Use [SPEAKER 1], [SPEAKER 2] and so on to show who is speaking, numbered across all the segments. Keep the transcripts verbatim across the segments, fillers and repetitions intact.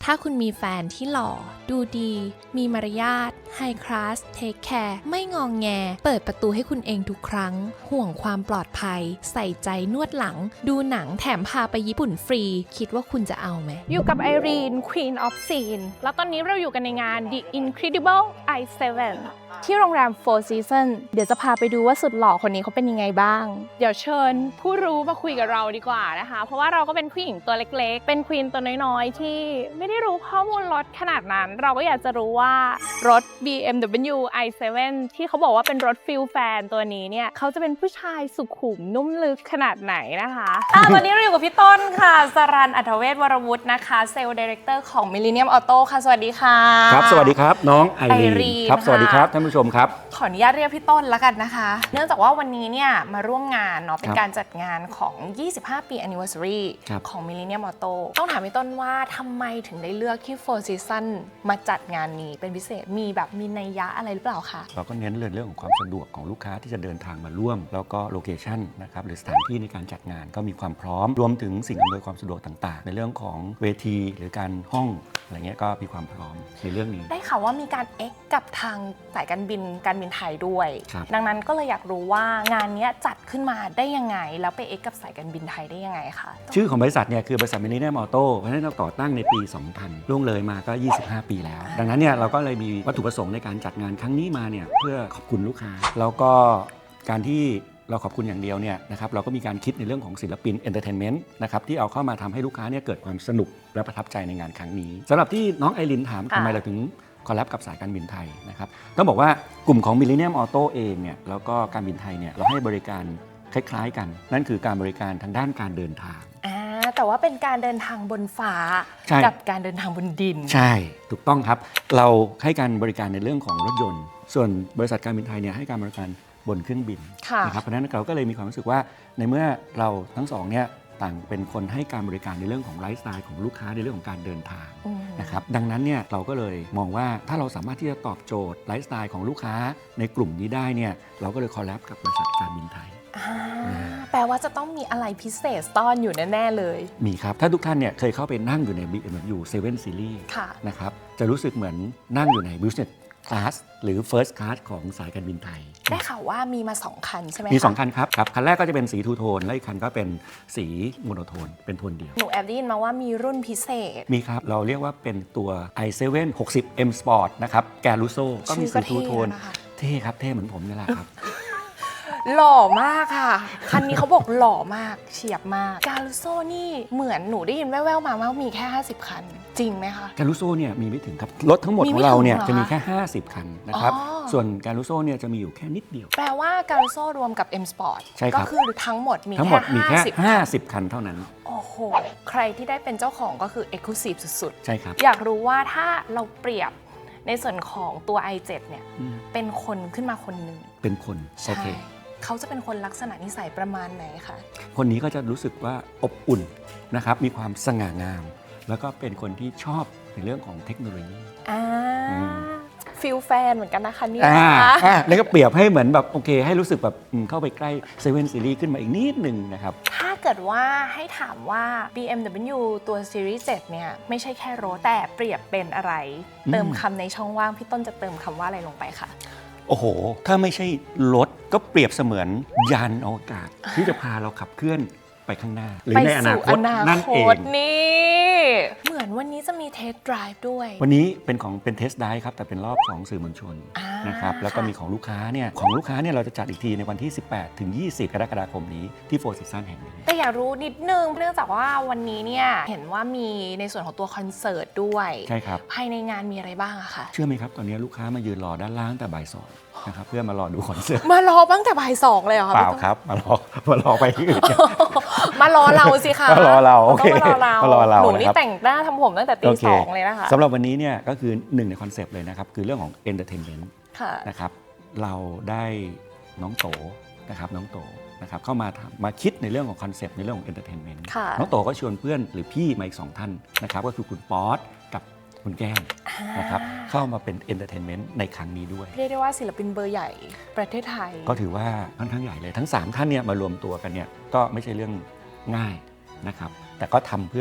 [SPEAKER 1] ถ้าคุณมีแฟนที่หล่อดูดีมีมารยาทไฮคลาสเทคแคร์ไม่งองแงเปิดประตูให้คุณเองทุกครั้งห่วงความปลอดภัยใส่ใจนวดหลังดูหนังแถมพาไปญี่ปุ่นฟรีคิดว่าคุณจะเอาไหมอยู่กับไอรีน Queen of Scene แล้วตอนนี้เราอยู่กันในงาน The Incredible ไอ เซเว่น ที่โรงแรม Four Seasons เดี๋ยวจะพาไปดูว่าสุดหล่อคนนี้เขาเป็นยังไงบ้างเดี๋ยวเชิญผู้รู้มาคุยกับเราดีกว่านะคะเพราะว่าเราก็เป็นผู้หญิงตัวเล็กๆเป็นควีนตัวน้อยๆที่ไม่ได้รู้ข้อมูลรถขนาดนั้นเราก็อยากจะรู้ว่ารถ บี เอ็ม ดับเบิลยู ไอ เซเว่น ที่เขาบอกว่าเป็นรถฟิลแฟนตัวนี้เนี่ยเขาจะเป็นผู้ชายสุขุมนุ่มลึกขนาดไหนนะคะอ่ะวันนี้เราอยู่กับพี่ต้นค่ะสรัญ อัธเวชวรวุฒินะคะเซลล์ดีเรคเตอร์ของ Millennium Auto ค่ะสวัสดีค่ะ
[SPEAKER 2] ครับสวัสดีครับน้องไอรีน
[SPEAKER 1] Irene
[SPEAKER 2] ครับสวัสดีครับท่านผู้ชมครับ
[SPEAKER 1] ขออนุญาตเรียกพี่ต้นแล้วกันนะคะเนื่องจากว่าวันนี้เนี่ยมาร่วมงานเนาะเป็นการจัดงานของ ยี่สิบห้า ปี Anniversary ของ Millennium Auto ต้องถามพี่ต้นว่าทำไมถึงได้เลือกที่ Four Seasons มาจัดงานนี้เป็นพิเศษมีแบบมีนัยยะอะไรหรือเปล่าคะ
[SPEAKER 2] เราก็เน้นเรื่องของความสะดวกของลูกค้าที่จะเดินทางมาร่วมแล้วก็โลเคชั่นนะครับหรือสถานที่ในการจัดงานก็มีความพร้อมรวมถึงสิ่งอำนวยความสะดวกต่างๆในเรื่องของเวทีหรือการห้องอะไรเงี้ยก็มีความพร้อมในเรื่องนี้
[SPEAKER 1] ได้ข่าวว่ามีการเอ็กกับทางสายการบินการบินไทยด้วยดังนั้นก็เลยอยากรู้ว่างานนี้จัดขึ้นมาได้ยังไงแล้วไปเอ็กกับสายการบินไทยได้ยังไงคะ
[SPEAKER 2] ชื่อของบริษัทเนี่ยคือบริษัท Millennium Auto เพราะฉะนั้นเราก่อตั้งในปี สองพัน ล่วงเลยมาก็ ยี่สิบห้า ปีแล้วดังนั้นเนี่ยเราก็เลยมีวัตถุประสงค์ในการจัดงานครั้งนี้มาเนี่ยเพื่อขอบคุณลูกค้าแล้วก็การที่เราขอบคุณอย่างเดียวเนี่ยนะครับเราก็มีการคิดในเรื่องของศิลปินเอนเตอร์เทนเมนต์นะครับที่เอาเข้ามาทำให้ลูกค้าเนี่ยเกิดความสนุกและประทับใจในงานครั้งนี้สำหรับที่น้องไอรินถามทำไมเราถึงคอลแลบกับสายการบินไทยนะครับต้องบอกว่ากลุ่มของ Millennium Auto เองเนี่ยแล้วก็การบินไทยเนี่ยเราให้บริการคล้ายๆกันนั่นคือการบริการทางด้านการเดินทาง
[SPEAKER 1] แต่ว่าเป็นการเดินทางบนฟ้ากับการเดินทางบนดิน
[SPEAKER 2] ใช่ถูกต้องครับเราให้การบริการในเรื่องของรถยนต์ส่วนบริษัทการบินไทยเนี่ยให้การบริการบนเครื่องบินนะครับเพราะฉะนั้นเราก็เลยมีความรู้สึกว่าในเมื่อเราทั้งสองเนี่ยต่างเป็นคนให้การบริการในเรื่องของไลฟ์สไตล์ของลูกค้าในเรื่องของการเดินทางนะครับดังนั้นเนี่ยเราก็เลยมองว่าถ้าเราสามารถที่จะตอบโจทย์ไลฟ์สไตล์ของลูกค้าในกลุ่มนี้ได้เนี่ยเราก็เลยคอลแลบกับบริษัทการบินไทย
[SPEAKER 1] แปลว่าจะต้องมีอะไรพิเศษซ่อนอยู่แน่ๆเลย
[SPEAKER 2] มีครับถ้าทุกท่านเนี่ยเคยเข้าไปนั่งอยู่ใน บี เอ็ม ดับเบิลยู เซเว่น Series นะครับจะรู้สึกเหมือนนั่งอยู่ใน Business Class หรือ First Class ของสายการบินไทย
[SPEAKER 1] ได้ข่าวว่ามีมาสองคันใช่ไหม
[SPEAKER 2] มีสองคันครับครับคันแรกก็จะเป็นสีทูโทนและอีกคันก็เป็นสีโมโนโทนเป็นโทนเดียว
[SPEAKER 1] หนูแอบได้ยินมาว่ามีรุ่นพิเศษ
[SPEAKER 2] มีครับเราเรียกว่าเป็นตัว ไอ เซเว่น หกสิบ เอ็ม Sport นะครับแกรูโซก็มีสีทูโทนเท่ครับเท่เหมือนผมนี่แหละครับ
[SPEAKER 1] หล่อมากค่ะคันนี้เขาบอกหล่อมากเฉียบมากการูโซนี่เหมือนหนูได้ยินแว่วๆมาว่ามีแค่ห้าสิบคันจริงไหมคะ
[SPEAKER 2] การูโซเนี่ยมีไม่ถึงครับรถทั้งหมดของเราเนี่ยจะมีแค่ห้าสิบคันนะครับส่วนการูโซเนี่ยจะมีอยู่แค่นิดเดียว
[SPEAKER 1] แปลว่าการูโซรวมกับ M Sport ก็คือทั้งหมดมี
[SPEAKER 2] ทั้งหมดมีแค่ห้าสิบคันเท่านั้น
[SPEAKER 1] โอ้โหใครที่ได้เป็นเจ้าของก็คือ Exclusive สุด
[SPEAKER 2] ๆใช่ครับ
[SPEAKER 1] อยากรู้ว่าถ้าเราเปรียบในส่วนของตัว ไอ เซเว่น เนี่ยเป็นคนขึ้นมาคนหนึ่ง
[SPEAKER 2] เป็นคนโอเค
[SPEAKER 1] เขาจะเป็นคนลักษณะนิสัยประมาณไหนคะ
[SPEAKER 2] คนนี้ก็จะรู้สึกว่าอบอุ่นนะครับมีความสง่างามแล้วก็เป็นคนที่ชอบในเรื่องของเทคโนโลยี
[SPEAKER 1] อ่าฟิลแฟนเหมือนกันนะคะเนี่ย
[SPEAKER 2] อ่าแล้วก็เปรียบให้เหมือนแบบโอเคให้รู้สึกแบบเข้าไปใกล้เซเว่นซีรีส์ขึ้นมาอีกนิดนึงนะครับ
[SPEAKER 1] ถ้าเกิดว่าให้ถามว่า บี เอ็ม ดับเบิลยู ตัว Series เจ็ดเนี่ยไม่ใช่แค่รถแต่เปรียบเป็นอะไรเติมคำในช่องว่างพี่ต้นจะเติมคำว่าอะไรลงไปคะ
[SPEAKER 2] โอ้โหถ้าไม่ใช่รถก็เปรียบเสมือนยานอวกาศที่จะพาเราขับเคลื่อนไปข้างหน้าหรือในอนาคตนั่นเอง
[SPEAKER 1] นี่เหมือนวันนี้จะมีเทสต์ไดรฟ์ด้วย
[SPEAKER 2] วันนี้เป็นของเป็นเทสต์ไดรฟ์ครับแต่เป็นรอบของสื่อมวลชนนะครับแล้วก็มีของลูกค้าเนี่ยของลูกค้าเนี่ยเราจะจัดอีกทีในวันที่สิบแปดถึงยี่สิบกรกฎาคมนี้ที่โฟร์ซีซั่นแห่งนี้
[SPEAKER 1] แต่อยากรู้นิดนึงเนื่องจากว่าวันนี้เนี่ยเห็นว่ามีในส่วนของตัวคอนเสิร์ตด้วย
[SPEAKER 2] ใช่ครับ
[SPEAKER 1] ภายในงานมีอะไรบ้างอะคะ
[SPEAKER 2] เชื่อไหมครับตอนนี้ลูกค้ามายืนรอด้านล่างแต่บ่ายสองนะครับเพื่อมารอดูคอนเสิร์ต
[SPEAKER 1] มารอตั้งแต่บ่ายสองเลยเหรอคะ
[SPEAKER 2] เปล่าครับมารอมารอไปที่อื่น
[SPEAKER 1] มารอเราสิคะ
[SPEAKER 2] มารอเราโอเค
[SPEAKER 1] มารอเรา
[SPEAKER 2] มารอเรา
[SPEAKER 1] หนูนี่แต่งหน้าทำผมตั้งแต่ตีสองเลยนะคะ
[SPEAKER 2] สำหรับวันนี้เนี่ยก็คือหนึ่งในคอนเซปต์เลยนะครับคือเรื่องของ entertainment นะครับเราได้น้องโตนะครับน้องโตนะครับเข้ามามาคิดในเรื่องของคอนเซปต์ในเรื่องของ entertainment น้องโตก็ชวนเพื่อนหรือพี่มาอีกสองท่านนะครับก็คือคุณป๊อตกับคุณแก้มนะครับเข้ามาเป็นเอนเตอร์เทนเมนต์ในครั้งนี้ด้วย
[SPEAKER 1] เรียกได้ว่าศิลปินเบอร์ใหญ่ประเทศไทย
[SPEAKER 2] ก็ถือว่าค่อนข้างใหญ่เลยทั้งสามท่านเนี่ยมารวมตัวกันเนี่ยก็ไม่ใช่เรื่องง่ายนะครับแต่ก็ทำเพื่อ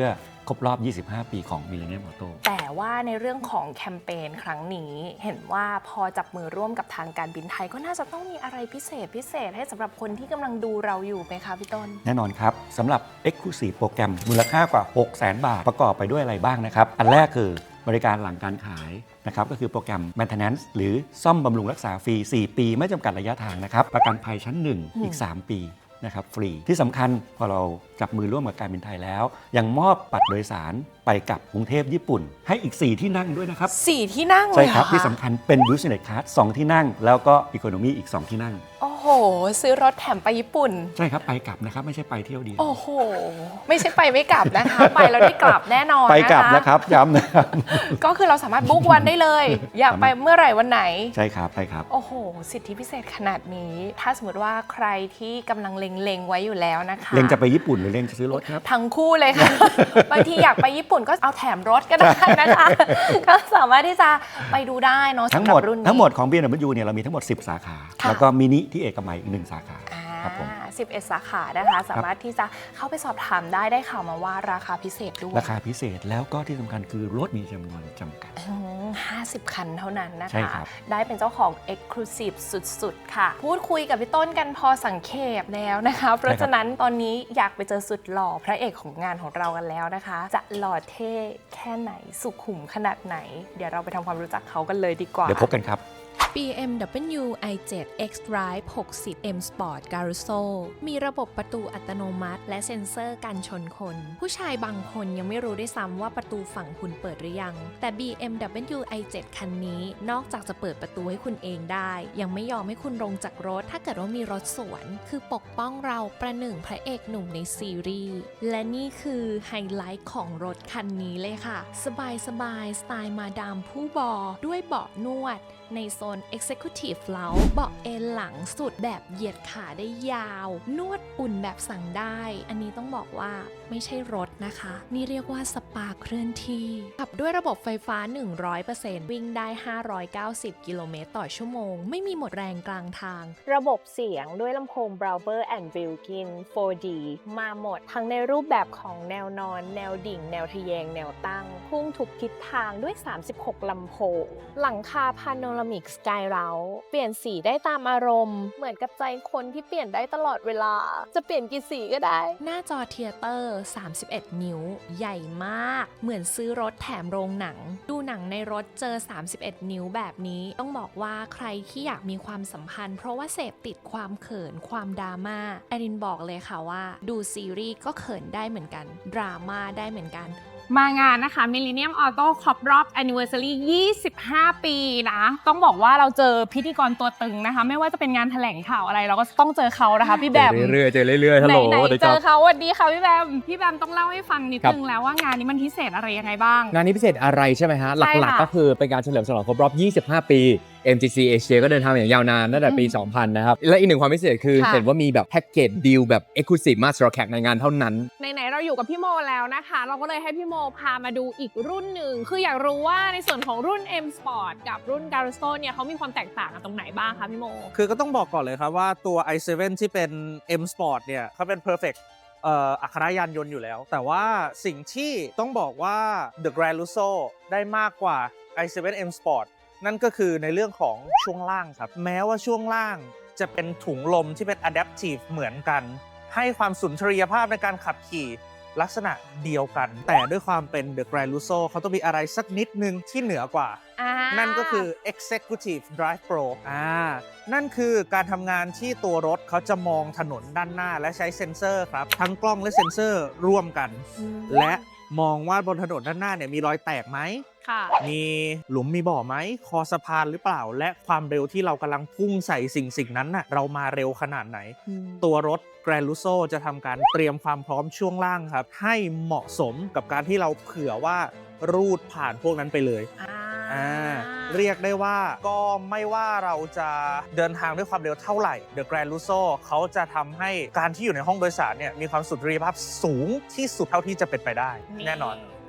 [SPEAKER 2] ครบรอบ ยี่สิบห้า ปีของ Millennium Auto
[SPEAKER 1] แต่ว่าในเรื่องของแคมเปญครั้งนี้เห็นว่าพอจับมือร่วมกับทางการบินไทยก็น่าจะต้องมีอะไรพิเศษพิเศษให้สำหรับคนที่กำลังดูเราอยู่ไหมคะพี่ต้น
[SPEAKER 2] แน่นอนครับสำหรับ Exclusive โปรแกรมมูลค่ากว่า หกแสน บาทประกอบไปด้วยอะไรบ้างนะครับอันแรกคือบริการหลังการขายนะครับก็คือโปรแกรม Maintenance หรือซ่อมบำรุงรักษาฟรี สี่ ปีไม่จำกัดระยะทางนะครับประกันภัยชั้น หนึ่ง อีก สาม ปีนะครับฟรีที่สำคัญพอเราจับมือร่วมกับการบินไทยแล้วยังมอบบัตรโดยสารไปกับกรุงเทพญี่ปุ่นให้อีก สี่ ที่นั่งด้วยนะครับ
[SPEAKER 1] สี่ที่นั่งเลย
[SPEAKER 2] ใช่ครับที่สำคัญเป็น Business Class สอง ที่นั่งแล้วก็ Economy อีก สอง ที่นั่ง
[SPEAKER 1] โอ้โหซื้อรถแถมไปญี่ปุ่น
[SPEAKER 2] ใช่ครับไปกลับนะครับไม่ใช่ไปเที่ยวเดียว
[SPEAKER 1] โอ้โหไม่ใช่ไปไม่กลับนะคะไปแล้วได้กลับแน่นอน
[SPEAKER 2] ไปกลับนะครับย้ำนะครับ
[SPEAKER 1] ก็คือเราสามารถบุ๊กวันได้เลยอยากไปเมื่อไหร่วันไหน
[SPEAKER 2] ใช่ครับใช่ครับ
[SPEAKER 1] โอ้โหสิทธิพิเศษขนาดนี้ถ้าสมมติว่าใครที่กำลังเล็งๆไว้อยู่แล้วนะคะ
[SPEAKER 2] เล็งจะไปญี่ปุ่นหรือเล็งจะซื้อรถครับ
[SPEAKER 1] ทั้งคู่เลยค่ะ บางทีอยากไปญี่ปุ่นก็เอาแถมรถก็ได้นะคะก็สามารถที่จะไปดูได้เนาะ
[SPEAKER 2] ทั้งหมดทั้งหมดของ บี เอ็ม ดับเบิลยู เนี่ยเรามีทั้งหมดสิบสาขาแล้วก็มินิที่เอกมัยอีกหนึ่งสาขาครับผม
[SPEAKER 1] สิบเอ็ดสาขานะคะสามารถที่จะเข้าไปสอบถามได้ได้ข่าวมาว่าราคาพิเศษด้วย
[SPEAKER 2] ราคาพิเศษแล้วก็ที่สำคัญคือรถมีจำนวนจำกัด
[SPEAKER 1] ห้าสิบคันเท่านั้นนะ
[SPEAKER 2] คะ
[SPEAKER 1] ได้เป็นเจ้าของ Exclusive สุดๆค่ะพูดคุยกับพี่ต้นกันพอสังเขปแล้วนะคะเพราะฉะนั้นตอนนี้อยากไปเจอสุดหล่อพระเอกของงานของเรากันแล้วนะคะจะหล่อเท่แค่ไหนสุขุมขนาดไหนเดี๋ยวเราไปทำความรู้จักเขากันเลยดีกว่า
[SPEAKER 2] เดี๋ยวพบกันครับ
[SPEAKER 1] บี เอ็ม ดับเบิลยู ไอ เซเว่น X-Drive หกสิบ M Sport Carousel มีระบบประตูอัตโนมัติและเซ็นเซอร์กันชนคนผู้ชายบางคนยังไม่รู้ด้วยซ้ำว่าประตูฝั่งคุณเปิดหรือยังแต่ บี เอ็ม ดับเบิลยู ไอ เซเว่น คันนี้นอกจากจะเปิดประตูให้คุณเองได้ยังไม่ยอมให้คุณลงจากรถถ้าเกิดว่ามีรถสวนคือปกป้องเราประหนึ่งพระเอกหนุ่มในซีรีส์และนี่คือไฮไลท์ของรถคันนี้เลยค่ะสบายสบายสไตล์มาดามผู้บอด้วยเบาะนวดในโซน Executive Lounge เบาะเอนหลังสุดแบบเหยียดขาได้ยาวนวดอุ่นแบบสั่งได้อันนี้ต้องบอกว่าไม่ใช่รถนะคะนี่เรียกว่าสปาเคลื่อนที่ขับด้วยระบบไฟฟ้า หนึ่งร้อยเปอร์เซ็นต์ วิ่งได้ห้าร้อยเก้าสิบกิโลเมตรต่อชั่วโมงไม่มีหมดแรงกลางทางระบบเสียงด้วยลำโพง Brauer and Wilkin โฟร์ ดี มาหมดทั้งในรูปแบบของแนวนอนแนวดิ่งแนวทะแยงแนวตั้งพุ่งทุกทิศทางด้วยสามสิบหกลำโพงหลังคาพาโนมิกสกายเราเปลี่ยนสีได้ตามอารมณ์เหมือนกับใจคนที่เปลี่ยนได้ตลอดเวลาจะเปลี่ยนกี่สีก็ได้หน้าจอเทียเตอร์สามสิบเอ็ดนิ้วใหญ่มากเหมือนซื้อรถแถมโรงหนังดูหนังในรถเจอสามสิบเอ็ดนิ้วแบบนี้ต้องบอกว่าใครที่อยากมีความสัมพันธ์เพราะว่าเสพติดความเขินความดราม่าแอรินบอกเลยค่ะว่าดูซีรีส์ก็เขินได้เหมือนกันดราม่าได้เหมือนกัน
[SPEAKER 3] มางานนะคะ Millennium Auto ครบรอบ Anniversary ยี่สิบห้า ปีนะต้องบอกว่าเราเจอพิธีกรตัวตึงนะคะไม่ว่าจะเป็นงานแถลงข่าวอะไรเราก็ต้องเจอเขานะคะพี่แบม
[SPEAKER 4] เรื่อยๆเจอเรื่อยๆฮัลโหล
[SPEAKER 3] ไหนๆเจอเขาสวัสดีค่ะพี่แบมพี่แบมต้องเล่าให้ฟังนิดนึงแล้วว่างานนี้มันพิเศษอะไรยังไงบ้าง
[SPEAKER 4] งานนี้พิเศษอะไรใช่ไหมฮะหลักๆก็คือเป็นการเฉลิมฉลองครบรอบยี่สิบห้า ปี เอ็ม จี ซี Asia ก็เดินทางอย่างยาวนานตั้งแต่ปี สองพัน นะครับและอีกหนึ่งความพิเศษคือเห็นว่ามีแบบแพ็กเกจดีลแบบ Exclusive มาสำหรับแขกในงานเท่านั้น
[SPEAKER 3] ไหนๆเราอยู่กับพี่โมแล้วนะคะเราก็เลยให้พี่โมพามาดูอีกรุ่นหนึ่งคืออยากรู้ว่าในส่วนของรุ่น M Sport กับรุ่น Carousel เนี่ยเขามีความแตกต่างกันตรงไหนบ้างคะพี่โม
[SPEAKER 5] คือก็ต้องบอกก่อนเลยครับว่าตัว ไอ เซเว่น ที่เป็น M Sport เนี่ยเขาเป็น perfect เอ่ออัครยานยนต์อยู่แล้วแต่ว่าสิ่งที่ต้องบอกว่า The Grand Lusso ได้มากกว่า ไอ เซเว่น M Sport นั่นก็คือในเรื่องของช่วงล่างครับแม้ว่าช่วงล่างจะเป็นถุงลมที่เป็น adaptive เหมือนกันให้ความสุนทรียภาพในการขับขี่ลักษณะเดียวกันแต่ด้วยความเป็น The Grand Lusso เขาต้องมีอะไรสักนิดนึงที่เหนือกว่านั่นก็คือ Executive Drive Pro อ่านั่นคือการทำงานที่ตัวรถเขาจะมองถนนด้านหน้าและใช้เซ็นเซอร์ครับทั้งกล้องและเซ็นเซอร์ร่วมกันและมองว่าบนถนนด้านหน้าเนี่ยมีรอยแตกไหมมีหลุมมีบ่อไหมคอสะพานหรือเปล่าและความเร็วที่เรากำลังพุ่งใส่สิ่งสิ่งนั้นน่ะเรามาเร็วขนาดไหนตัวรถ Grand Lusso จะทำการเตรียมความพร้อมช่วงล่างครับให้เหมาะสมกับการที่เราเผื่อว่ารูดผ่านพวกนั้นไปเลยอ่าเรียกได้ว่าก็ไม่ว่าเราจะเดินทางด้วยความเร็วเท่าไหร่ The Grand Lusso เขาจะทำให้การที่อยู่ในห้องโดยสารเนี่ยมีความสุนทรียภาพสูงที่สุดเท่าที่จะเป็นไปได้แน่นอน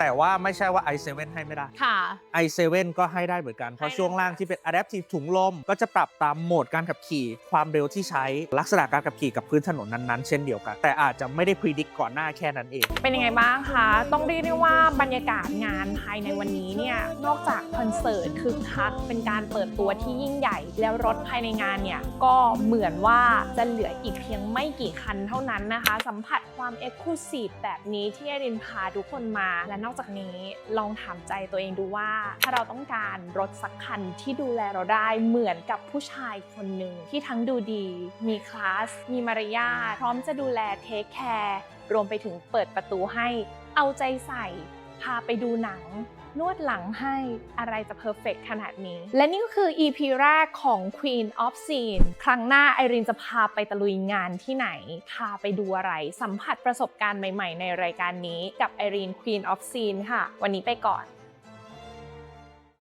[SPEAKER 5] แต่ว่าไม่ใช่ว่า ไอ เซเว่น ให้ไม่ได้
[SPEAKER 3] ค่ะ
[SPEAKER 5] ไอ เซเว่น ก็ให้ได้เหมือนกัน เพราะช่วงล่างที่เป็น Adaptive ถุงลมก็จะปรับตามโหมดการขับขี่ความเร็วที่ใช้ลักษณะการขับขี่กับพื้นถนนนั้นๆเช่นเดียวกันแต่อาจจะไม่ได้ predict ก่อนหน้าแค่นั้นเอง
[SPEAKER 3] เป็นยังไงบ้างคะต้องเรียกได้ว่าบรรยากาศงานภายในวันนี้เนี่ยนอกจากคอนเสิร์ตคึกคักเป็นการเปิดตัวที่ยิ่งใหญ่แล้วรถภายในงานเนี่ยก็เหมือนว่าจะเหลืออีกเพียงไม่กี่คันเท่านั้นนะคะสัมผัสความ Exclusive แบบนี้ที่ไอรินพาทุกคนมาและนอกจากนี้ลองถามใจตัวเองดูว่าถ้าเราต้องการรถสักคันที่ดูแลเราได้เหมือนกับผู้ชายคนหนึ่งที่ทั้งดูดีมีคลาสมีมารยาทพร้อมจะดูแลเทคแคร์รวมไปถึงเปิดประตูให้เอาใจใส่พาไปดูหนังนวดหลังให้อะไรจะเพอร์เฟกต์ขนาดนี้และนี่ก็คือ อี พี แรกของ Queen of Scene ครั้งหน้าไอรินจะพาไปตะลุยงานที่ไหนพาไปดูอะไรสัมผัสประสบการณ์ใหม่ๆในรายการนี้กับไอริน Queen of Scene ค่ะวันนี้ไปก่อน